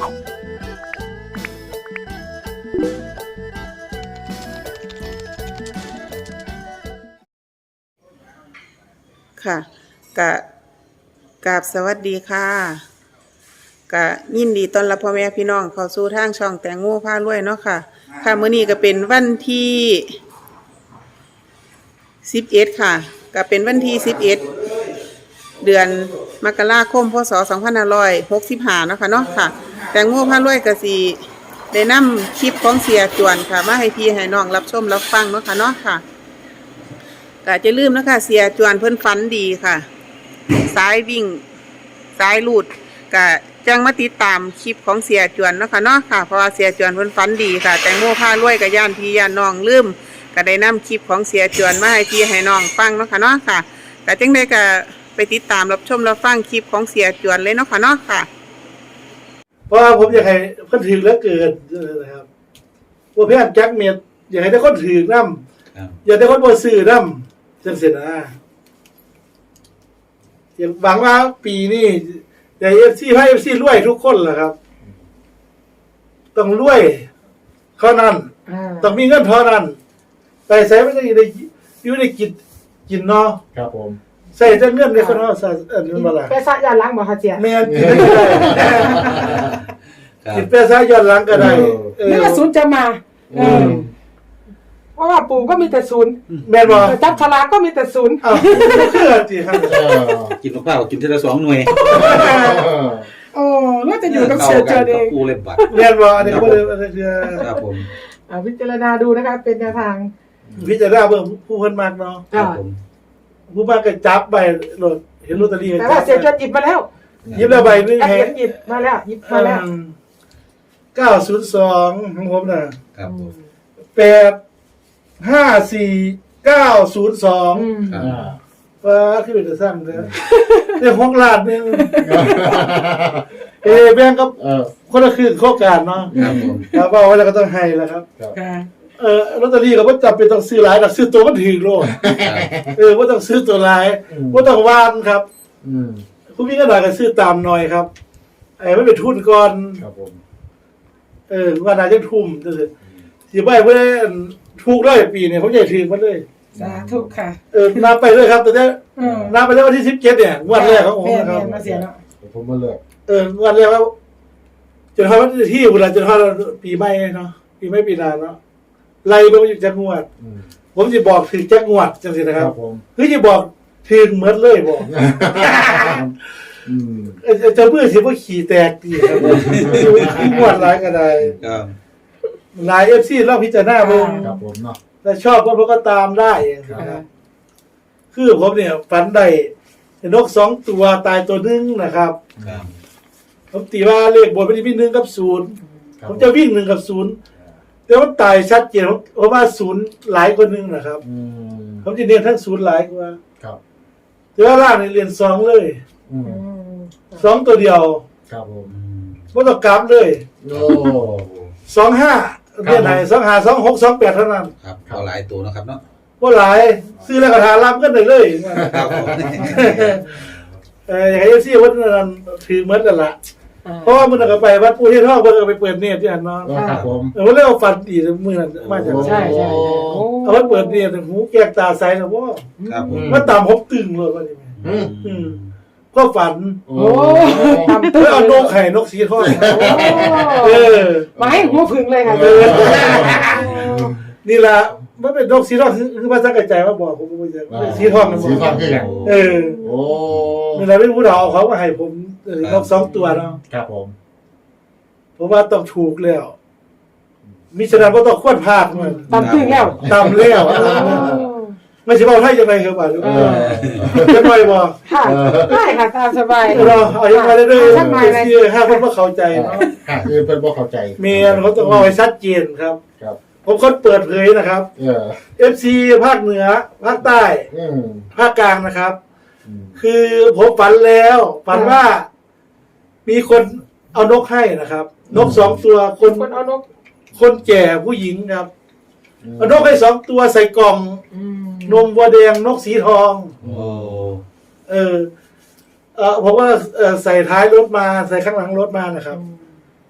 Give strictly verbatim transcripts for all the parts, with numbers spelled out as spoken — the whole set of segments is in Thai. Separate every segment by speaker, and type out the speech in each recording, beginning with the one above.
Speaker 1: ค่ะกะกราบสวัสดีค่ะกะยินดีต้อนรับพ่อแม่พี่น้องเข้าสู่ทางช่องแตงโมพารวยเนาะค่ะค่ะมื้อนี้ก็เป็นวันที่สิบเอ็ดค่ะก็เป็นวันที่สิบเอ็ดเดือนมกราคมพศสองพันห้าร้อยหกสิบห้าเนาะค่ะเนาะค่ะแตงโมพารวยก็สิได้นำคลิปของเสียจวนค่ะมาให้พี่ให้น้องรับชมรับฟังเนาะค่ะเนาะค่ะก็จะลืมนะคะเสียจวนเพิ่นฝันดีค่ะสายวิ่งสายลูดก็จังมาติดตามคลิปของเสียจวนเนาะค่ะเนาะค่ะเพราะว่าเสียจวนเพิ่นฝันดีค่ะแตงโมพารวยกับย่านพี่ย่านน้องลืมก็ได้นำคลิปของเสียจวนมาให้พี่ให้น้องฟังเนาะค่ะเนาะค่ะก็จังได้ก็ไปติดตามรับชมรับฟังคลิปของเสียจวนเลยเนาะค่ะเนาะค่ะ
Speaker 2: เพราะว่าผมอยากให้คนถือแล้วเกิดนะครับว่าเพื่อนแจ็คเมียอยากให้ได้คนถือน้ำอยากได้คนบริสุทธิ์น้ำจังเสร็จนะอยากหวังว่าปีนี้แต่เอฟซีให้เอฟซีรวยทุกคนแหละครับต้องรวยเท่านั้นต้องมีเงินเท่านั้นแต่ใส่ไม่ได้ได้อยู่ในกินกินเนาะ
Speaker 3: ครับผม
Speaker 2: ใส่แต่เงินในคนเนาะใส่เออมันอะไร
Speaker 4: ไปซะย้อนหลังบ่คะเจีย
Speaker 2: แม่นกินได้กินไปซะย้อนหลังก็ได้
Speaker 4: นี่ว่าศูนย์จะมาเออเพราะว่าปู่ก็มีแต่ศูนย์
Speaker 2: แม่นบ่
Speaker 4: จับฉลากก็มีแต่ศูนย์
Speaker 2: อ้าวเชื่อสิครับ
Speaker 3: กินมะพร้าวกินทีละสองหน่วย
Speaker 4: โอ้แล้วจะอยู่กับเสียเจอเอง
Speaker 3: กูเล่นบัตร
Speaker 2: แม่นบ่อันนี้ก็เลยอันนี้
Speaker 3: ครับผม
Speaker 4: อ่าพิจารณาดูนะคะเป็นแนวทาง
Speaker 2: พิจารณาเบิ่งผู้เพิ่นมากเนาะ
Speaker 4: ครับ
Speaker 2: ผมผู้มากก็จับใบโหลดเห็นลอตเตอรี่
Speaker 4: แต่ว่าเสียจนหยิบมาแล้ว
Speaker 2: หยิบแล้วใบนึง
Speaker 4: ให้หยิบมาแล้วหยิบมาแล้ว
Speaker 2: เก้าศูนย์สองของผมน่ะ
Speaker 3: ครับผม
Speaker 2: แปดห้าสี่เก้าศูนย์สองว่าคือเป็นสร้างเด้อเรื่องของลาดนึงเอแบ่งกับคนละครึ่งโครงการเนาะ
Speaker 3: ครับผม
Speaker 2: ครับว่าแล้วก็ต้องให้แล้วครับเออลอตเตอรี่ก็บ่จำเป็นต้องซื้อหลายดอกซื้อตัวมันถึงโลดเออบ่ต้องซื้อตัวหลายบ่ต้องวานครับอืมผู้มีเงินหน่อยก็ซื้อตามหน่อยครับไอ้มันเป็นทุนก่อน
Speaker 3: ครับผม
Speaker 2: เออว่าน่าจะทุ่มจังซี่สิบ่ให้เพิ่นถูกเลยปีนี้ผมใหญ่ถึงมันเลย
Speaker 4: สาธุค่ะ
Speaker 2: เออนับไปเลยครับแต่เนี่ยนับไปเลยวันที่สิบเจ็ดเนี่ยวันแรกของผมนะครับ
Speaker 4: มาเสียแล้ว
Speaker 3: ผมมาเลิก
Speaker 2: เออวันแรกว่าจนทำวันที่เวลาจนทำปีใหม่เนาะปีใหม่ปีหน้าเนาะไล่ไปว่าอยู่จักงวดผมจะบอกถึงจักงวดจังสินะครับคือจะบอกถึงเหมือนเลยบอกจะเมื่อสิว่าขี่แตกดีครับงวดหลายก็ได้หลายเอฟซีเราพิจารณาเบิ่ง
Speaker 3: ครับผมเนาะ
Speaker 2: ถ้าชอบก็ก็ตามได้นะครับคือผมเนี่ยฝันได้นกสองตัวตายตัวนึงนะครับผมตีว่าเลขบนมันจะมีหนึ่งกับศูนย์ผมจะวิ่งหนึ่งกับศูนย์แต่ว่าตายชัดเจนเพราะว่าศูนย์หลายกว่านึงนะครับผมจะเรียนทั้งศูนย์หลายกว่าแต่ว่าล่างเนี่ยเรียนสองเลยสองตัวเดียว
Speaker 3: ครับผม
Speaker 2: ไม่ต้องกลับเลยสองห้าเรียนไหนสองห้าสองหกสองแปดเท่านั้น
Speaker 3: ครับเอาหลายตัวนะครับเนาะ
Speaker 2: ว่าหลายซื้อแล้วก็ทารับกันได้เลยครับเอออย่างไอ้ซี่วัดนั้นถือเหมือนกันละเพราะว่ามันก็ไปวัดปูที่ท่อเพิ่นก็ไปเปิดเน็ตที่อันเนาะ
Speaker 3: ครับผม
Speaker 2: เออว่าเรียกว่าฟันดีมื้อนั้นมาจาก
Speaker 4: ใช่ใช่
Speaker 2: เอาว่าเปิดเน็ตหูแก้ตาใสนะบ่
Speaker 3: ครับผม
Speaker 2: ว่าตามผมตึงเลยว่านี่อืมอืมก็ฝัน
Speaker 4: โอ้ตาม
Speaker 2: ตึงเอานกไข่นกสีทองเออ
Speaker 4: มาให้หัวพึ่งเลยค่ะ
Speaker 2: นี่ล่ะมันเป็นนกสีทองคือภาษากระจายมาบอกผมบ่ใช่สีทองมัน
Speaker 3: สีทองคือหยัง
Speaker 2: เออโอ้นี่ล่ะเป็นผู้ดาวเขามาให้ผมนกสองตัวเนาะ
Speaker 3: ครับผม
Speaker 2: ผมว่าต้องถูกแล้วมิฉะนั้นบ่ต้องควรพลาดมัน
Speaker 4: ตามตึ้งแล้ว
Speaker 2: ตามแล้วไม่ใช่เว้าไทยจังได๋ครับบ่าเออจะปล่อยบ่
Speaker 4: ค่ะได้ค่ะตามสบาย
Speaker 2: เนาะเอาอย่างไรเด้อสิให้เพิ่นบ่เข้าใจเนาะ
Speaker 3: ค่ะคือเพิ่นบ่เข้าใจ
Speaker 2: แม่นเขาต้องเอาให้ชัดเจนครับ
Speaker 3: ครับ
Speaker 2: ผมคนเปิดเผยนะครับ
Speaker 3: เออ
Speaker 2: เอฟ ซี ภาคเหนือภาคใต้ภาคกลางนะครับคือผมฝันแล้วฝันว่ามีคนเอานกให้นะครับนกสองตัวคน
Speaker 4: คนเอานก
Speaker 2: คนแก่ผู้หญิงครับเอานกให้สองตัวใส่กล่องนมวัวแดงนกสีทอง
Speaker 3: โอ้
Speaker 2: เออเออผมว่าใส่ท้ายรถมาใส่ข้างหลังรถมานะครับ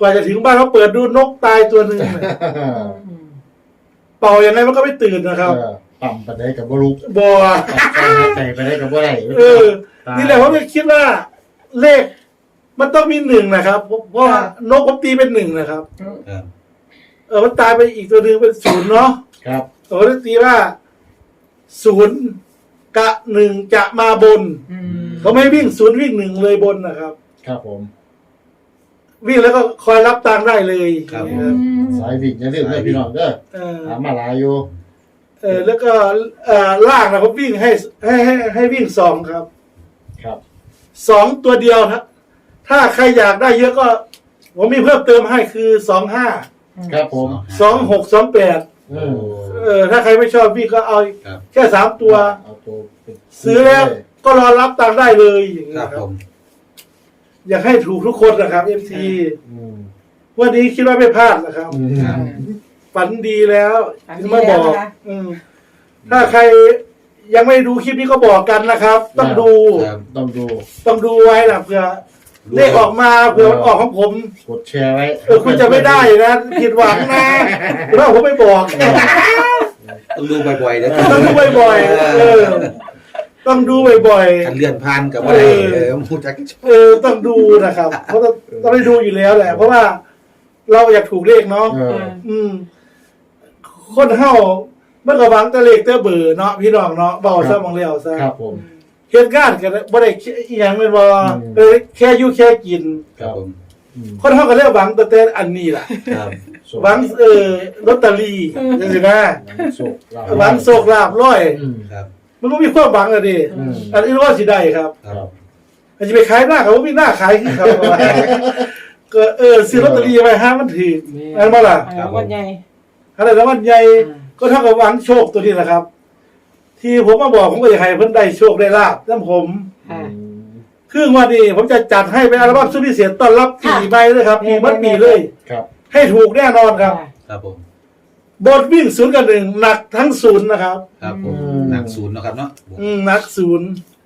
Speaker 2: กว่าจะถึงบ้านเขาเปิดดูนกตายตัวหนึ่งเนี่ยเป่ายังไงมันก็ไม่ตื่นนะครับ
Speaker 3: เออต่ำไปได้กับบ่ลุก
Speaker 2: บอ
Speaker 3: ใจไปได้กับบ่ได้
Speaker 2: เออ นี่แหละผมก็คิดว่าเลขมันต้องมีหนึ่งนะครับเพราะว่านกผมตีเป็นหนึ่งนะครับ
Speaker 3: ครับ
Speaker 2: เออมันตายไปอีกตัวหนึ่งเป็นศูนย์เนาะ
Speaker 3: ครับ
Speaker 2: ผมก็ตีว่าศูนย์กะหนึ่งจะมาบน
Speaker 4: อืม
Speaker 2: เขาไม่วิ่งศูนย์วิ่งหนึ่งเลยบนนะครับ
Speaker 3: ครับผม
Speaker 2: วิ่งแล้วก็คอยรับตังค์ได้เลย
Speaker 3: ครับ
Speaker 2: นะ
Speaker 3: สายวิ่งอย่าลืมเด้อพี่น้องเด้อ
Speaker 2: เออ
Speaker 3: ถามมาหลายอยู่
Speaker 2: เออแล้วก็เอ่อล่างนะผมวิ่งให้ให้ให้ให้วิ่งสองครับ
Speaker 3: ครับ
Speaker 2: สองตัวเดียวครับถ้าใครอยากได้เยอะก็ ผมมีเพิ่มเติมให้คือสองห้า
Speaker 3: ครับผม
Speaker 2: สองหกสองแปด
Speaker 3: เออ
Speaker 2: เออถ้าใครไม่ชอบวิ่งก็เอา
Speaker 3: ครับ
Speaker 2: แค่สามตัว
Speaker 3: เอาตัวเป็น
Speaker 2: ซื้อแล้วก็รอรับตังค์ได้เลยอย่าง
Speaker 3: ค
Speaker 2: นี้
Speaker 3: รับ
Speaker 2: ครั
Speaker 3: ผ
Speaker 2: บ
Speaker 3: ม
Speaker 2: อยากให้ถูกทุกคนนะครับเอฟซี
Speaker 3: อืม
Speaker 2: วันนี้คิดว่าไม่พลาดนะครับ
Speaker 3: อืม
Speaker 4: ครับ
Speaker 2: ฝันดีแล้ว
Speaker 4: ฝันดี
Speaker 2: ที่มาบอก
Speaker 4: แล้วนะคะ
Speaker 2: อืมถ้าใครยังไม่ดูคลิปนี้ก็บอกกันนะครับ ต้องดู
Speaker 3: ครับต้องดู
Speaker 2: ต้องดูไว้นะเผื่อเลขออกมาเผื่อมันออกของผม
Speaker 3: กดแชร์ไว้
Speaker 2: เออคุณจะไม่ได้นะผิดหวังนะเพราะผมไม่บอก
Speaker 3: ต้องดูบ่อยๆนะ
Speaker 2: ต้องดูบ่อยๆเออ ต้องดูบ่อย
Speaker 3: คันเลื่อนผ่านกับอะไร
Speaker 2: เออ
Speaker 3: เออมูจัก
Speaker 2: ๆเออต้องดูนะครับ เพราะต้องต้องได้ดูอยู่แล้วแหละ เพราะว่าเราอยากถูกเลขเนาะ
Speaker 3: เออ
Speaker 2: อืม คนเฮาเมื่อก็หวังแต่เลขแต่เบอร์เนาะพี่น้องเนาะเบาซะมองแล้วซะ
Speaker 3: ครับผม
Speaker 2: เหตุการณ์กันบ่ได้อีหยังเป็นบ่
Speaker 3: อืม
Speaker 2: เออแค่อยู่แค่กิน
Speaker 3: ครับผมอืม
Speaker 2: คนเฮาก็เรียกหวังแต่แต่อันนี้ล่ะ
Speaker 3: ครับ
Speaker 2: หวังเออลอตเตอรี่จังซี่นะ
Speaker 3: โชคลาภ
Speaker 2: หวังโชคลาภร้อย
Speaker 3: อืมครับ
Speaker 2: มันบ่มีความหวังอะดิ
Speaker 3: อืม
Speaker 2: อันนี้ว่าสิได้ครับ
Speaker 3: ครับ
Speaker 2: อันจะไปขายหน้าเขาบ่มีหน้าขายคือเขาก็เออซื้อลอตเตอรี่ไว้ห้ามันถืออันบ่ล่ะ
Speaker 4: อ่าวันใหญ่
Speaker 2: อะไรแล้วมันใหญ่
Speaker 4: อืม
Speaker 2: ก็เท่ากับหวังโชคตัวนี้แหละครับ ที่ผมมาบอกผมก็อยากให้เพิ่นได้โชคได้ลาบนำผม
Speaker 4: ค่ะ
Speaker 2: ครึ่งวันนี้ผมจะจัดให้เป็นอัลบั้มสุดพิเศษต้อนรับปีใหม่เลยครับปีมัดปีเลย
Speaker 3: ครับ
Speaker 2: ให้ถูกแน่นอนครับ
Speaker 3: ครับผม
Speaker 2: บทวิ่งศูนย์กับหนึ่งหนักทั้งศูนย์นะครับ
Speaker 3: ครับผม
Speaker 4: อืม
Speaker 3: หนักศูนย์เนาะครับเนาะ
Speaker 2: อืมหนักศูนย์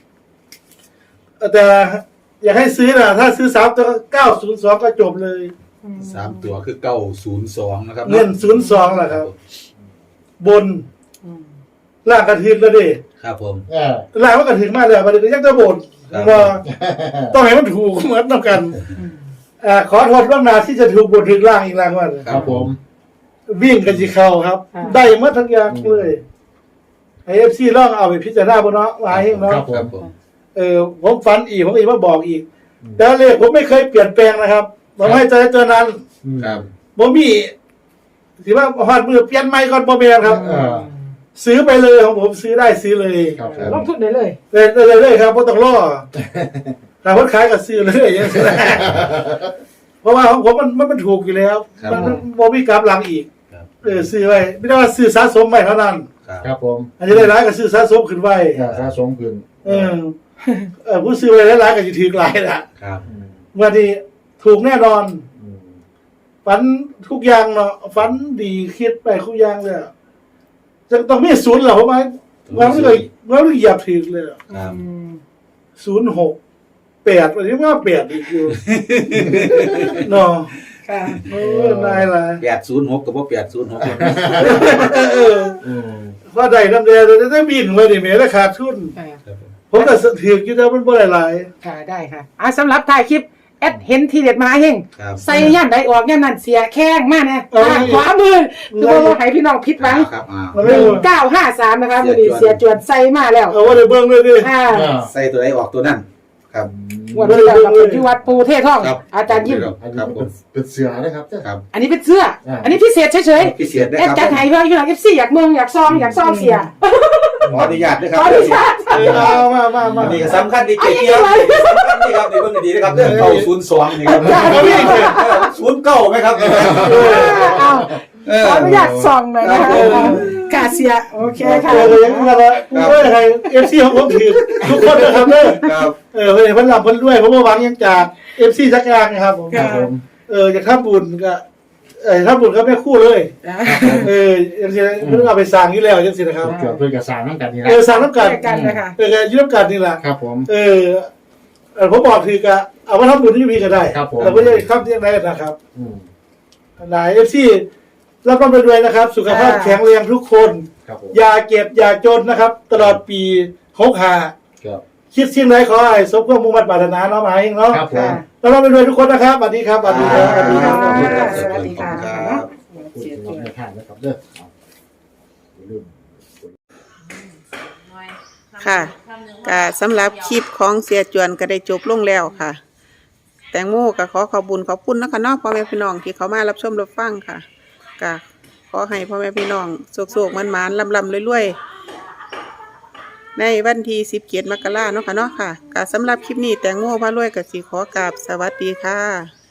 Speaker 2: แต่อยากให้ซื้อนะถ้าซื้อสามตัวเก้าศูนย์สองก็จบเลย
Speaker 3: สามตัวคือเก้าศูนย์สองนะครับ
Speaker 2: เงินศูนย์สองแหละครับ บน
Speaker 4: อืม
Speaker 2: ล่างกระถึงแล้วดิ
Speaker 3: ครับผมเออ
Speaker 2: ล่างมันกระถึงมากเลยประเด็นยังจะบน
Speaker 3: ครับ
Speaker 2: ว่าต้องให้มันถูกเหมือนกัน
Speaker 4: อืม
Speaker 2: อ่าขอโทษล่วงหน้าที่จะถูกบนถึงล่างอีกล่างว่า
Speaker 3: ครับผม
Speaker 2: วิ่งกันจีเข้าครับ ได้หมาทั้งอย่างเลยไอเอฟซีลองเอาไปพิจารณาบนเนาะวายเอง
Speaker 3: ครั
Speaker 2: เนาะ
Speaker 3: บผมผม
Speaker 2: เออผมฝันอีกผมอีกมาบอกอีก แต่เลขผมไม่เคยเปลี่ยนแปลงนะครับผมให้ใจเจอนั้น
Speaker 3: ครับ
Speaker 2: ผมมีถือว่าหอดมือเปลี่ยนไม้ก่อนโมเมนครับ
Speaker 3: เออ
Speaker 2: ซื้อไปเลยของผมซื้อได้ซื้อเลย
Speaker 3: ครับผ
Speaker 4: ล
Speaker 3: ม
Speaker 4: งทุนได้เลย
Speaker 2: เลยเลยเลยครับเพราะต้องรอแต่คนขายก็ซื้อเลยอย่างนี้เพราะว่าของผมมันมันมันถูกอยู่แล้ว
Speaker 3: ครับ
Speaker 2: มันมันบ่มีกราฟหลังอีก
Speaker 3: ครับ
Speaker 2: เออซื้อไว้ไม่ได้ว่าซื้อสะสมไว้เท่านั้น
Speaker 3: ครับครับผม
Speaker 2: อันนี้ได้ร้ายก็ซื้อสะสมขึ้นไว้
Speaker 3: ถ้าสะสมขึ้น
Speaker 2: เออเออผู้ซื้อไว้ร้ายๆก็จะถือหลายละ
Speaker 3: ครับ
Speaker 2: วันนี้ถูกแน่นอน
Speaker 3: อืม
Speaker 2: ฝันทุกอย่างเนาะฝันดีคิดไปทุกอย่างเลยอะจะต้องมีศูนย์เหรอผมว่าว่าไม่เลยว่าไม่เหยียบถือเลยอะ
Speaker 3: ครับ
Speaker 4: อืม
Speaker 2: ศูนย์หกแปดวันนี้ว่าแปดอีกอยู่ เนาะ
Speaker 4: ค่ะ
Speaker 2: เออนายละ
Speaker 3: แปดศูนย์หกกับว่าแปดศูนย์หก
Speaker 2: เออ
Speaker 3: อืม
Speaker 2: พอได้กำเดียวจะได้บินไว้ดิเมแล้วขาดทุน
Speaker 4: อ่า
Speaker 3: ครับผม
Speaker 2: ผมแต่ถืออยู่แล้วมันบ่หลาย
Speaker 4: ค่ะได้ค่ะอ่าสำหรับถ่ายคลิปแอดเห็นทีเด็ดมาเฮง
Speaker 3: ครับ
Speaker 4: ใส่ย่านใดออกย่านนั้นเสียแข้งมากนะอ่าขวามือคือว่าให้พี่น้องผิดหวัง
Speaker 3: ครับอ่า
Speaker 2: ๆมัน
Speaker 4: ห
Speaker 2: ไม่
Speaker 4: นึ่งเก้าห้าสามนะคะวันนี้เสียจวนใส่มาแล้ว
Speaker 2: เอาว่าได้เบิ่งเลยดิ
Speaker 4: อ่า
Speaker 3: ใส่ตัวไหนออกตัวนั่นครับ
Speaker 4: วันนี้เราเป็นที่วัดปูเทศท่อง
Speaker 3: ครับ
Speaker 4: อาจารย์ยิ้ม
Speaker 3: ครับอันค นี้รับผ เป็นมเป็นเสือนะครับเจ้า
Speaker 2: ครับ
Speaker 4: อันนี้เป็นเสื้อ
Speaker 3: อ่า
Speaker 4: อันนี้พิเศษเฉย
Speaker 3: พิเศษ
Speaker 4: ๆ
Speaker 3: นะ
Speaker 4: เอ็ด
Speaker 3: ครับ
Speaker 4: จัดไห้เพื่อนพี่น้องเอฟซีอยากเมืองอยากซองอยากซองเสีย
Speaker 3: ขออนุญาตนะค
Speaker 4: ข
Speaker 3: รับ
Speaker 4: ออนุญาต
Speaker 2: เออเอามามามา
Speaker 3: อันนี้ก็สำคัญดีเกี่ยวสำคัญดีครับในเรื่องดีนะครับเรื่องเก้าศูนย์สองนี่ครับศูนย์เก้าไหมครับ
Speaker 4: เอา
Speaker 3: เออ
Speaker 4: ขออนุญาตซองหน่อยนะ
Speaker 3: ครั
Speaker 4: คะ
Speaker 3: บผม
Speaker 4: กาเซียโอเคค่ะ
Speaker 2: เออยังมาละกูไม่ให้เอฟซีของผมถือทุกคนนะครับเด้อ
Speaker 3: ครับ
Speaker 2: เออเพิ่นเพิ่นรับเพิ่นด้วยเพราะว่าหวังยังจากเอฟซีจักรยานนะครับผม
Speaker 3: ครับผม
Speaker 2: เออจะทำบุญก็เออทำบุญก็ไม่คู่เลย เออจังซี่เพิ่นเอาไปสร้างอยู่แล้วจังซี่นะครับ
Speaker 3: เกี่ยวเพื่อนกับสารน้ำกันนี่นะ
Speaker 2: เออสร้างน้ำกัน
Speaker 4: กันนะคะ
Speaker 2: เออก็อยืมกันนี่แหละ
Speaker 3: ครับผม
Speaker 2: เออเออผมบอกคือกะเอามาทำบุญที่พี่ก็ได้
Speaker 3: ครับผม
Speaker 2: เราไม่ได้ข้ามเที่ยงได้นะครับ
Speaker 3: อืม
Speaker 2: หลายเอฟซีรับร่ำรวยๆนะครับ สุขภาพแข็งแรงทุกคน
Speaker 3: ครับผม
Speaker 2: อย่าเก็บอย่าจนนะครับ ตลอดปีหกห้า
Speaker 3: ครับ
Speaker 2: คิดสิ่งใดขอให้สมความมุ่งมั่นปรารถนาเนาะหมายเองเนาะ
Speaker 3: ครับผม
Speaker 2: รับร่ำรวยๆทุกคนนะครับสวัสดีครับสวัสดีครับสวัสดีครับ
Speaker 4: สวัสดีค่ะ
Speaker 3: พูดถึงเราไม่พลาดนะครับเด้อเอาอย่าลืม
Speaker 1: ค่ะก็สำหรับคลิปของเสียจวนก็ได้จบลงแล้วค่ะ แตงโมก็ขอขอบคุญขอบคุณนะคะเนาะพ่อแม่พี่น้องที่เขามารับชมรับฟังค่ะก็ขอให้พ่อแม่พี่น้องโศกๆมันๆลำๆรวยๆในวันที่สิบเจ็ดมกราเนาะค่ะเนาะค่ะก็สำหรับคลิปนี้แตงโมพารวยก็สิขอกราบสวัสดีค่ะ